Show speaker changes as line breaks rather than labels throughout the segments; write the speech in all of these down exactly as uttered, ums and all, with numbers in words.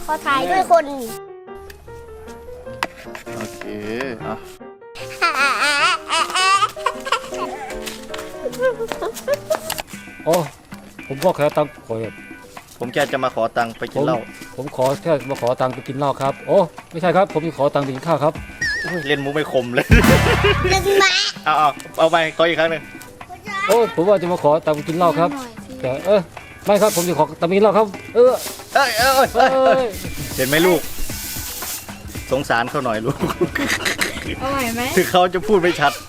อถ่ายด้วยคน
โอเคอ่ะ
โอ้ผมก็แค่ตังค์ขอ
ผมแค่จะมาขอตังค์ไปกินเหล้า
ผมขอแค่มาขอตังค์ไปกินเหล้าครับโอ้ไม่ใช่ครับผมจะขอตังค์ไปกินข้าวครับ
เล่นมุกไม่คมเลย
หนึ่งบาท
เอาเอาเอาไปขออีกครั้งหนึ่ง
โอ้ผมว่าจะมาขอตังค์ไปกินเหล้าครับแต่เออไม่ครับผมจะขอตังค์ไปกินเหล้าครับเออ
เอ้ยเอ้ย
เอ
เอ้ยเอ้ย
้ย
เห็นไหมลูก สงสารเขาหน่อยลูก
อร่อยไหม
ถึงเขาจะพูดไม่ชัด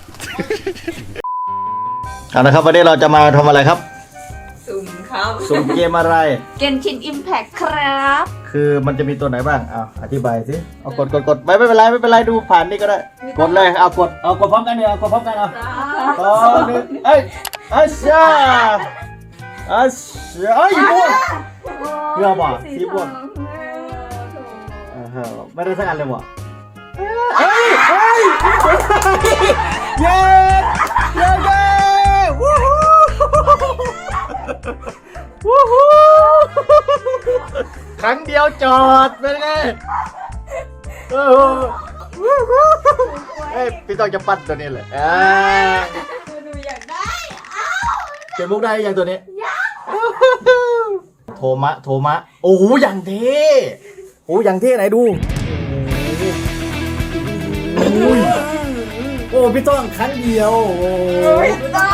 เอาละครับวันนี้เราจะมาทำอะไรครับ
สุ่มครับ
สุ่มเกมอะไร
เกนชินอิมแพคครับ
คือมันจะมีตัวไหนบ้างเอาอธิบายสิเอากดกดกดไม่ไม่เป็นไรไม่เป็นไรดูผ่านนี่ก็ได้ กดเลยเอากดเอากดพร้อมกันเนี่ยเอากดพร้อมกันเอาสองหนึ่งเอ้ยอาชาอาชาเอ้ยม่วง เกลือบ่สีม่วง เออไม่ได้สักอันเลยว่ะเฮ้ยเฮ้ยเย้เย้เย้วู้ฮู้วู้ฮู้ครั้งเดียวจอดเป็นไงเออเฮ้ยพี่ต้องจะปั้นตัวนี้เลยอ่า
หนูอยากได้
เก็บมุกได้ยังตัวนี้โทมะโทมะโอ้โหอย่างเท่โอ้อย่างเท่ไหนดูโอ้ยโอ้พี่ต้องครั้งเดียวโอ้ย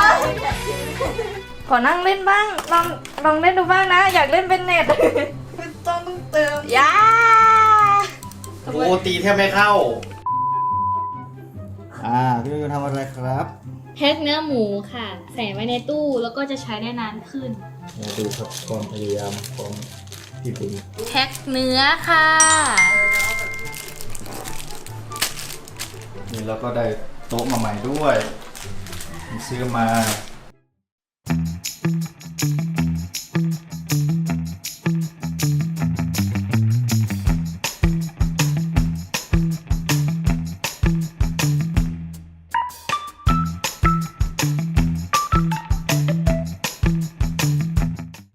ขอนั่งเล่นบ้าง ลองลองเล่นดูบ้างนะ อยากเล่นเป็นเน็ตไม่ต้องเติมยา
โอ้ตีแทบไม่เข้าอ่าพี่ต้องทำอะไรครับ
แพ็คเนื้อหมูค่ะ ใส่ไว้ในตู้แล้วก็จะใช้ได้นานขึ้น
มาดูครับความพยายามของพี่ปุ๋ย
แพ็คเนื้อค่ะ
นี่เราก็ได้โต๊ะมาใหม่ด้วยซื้อมา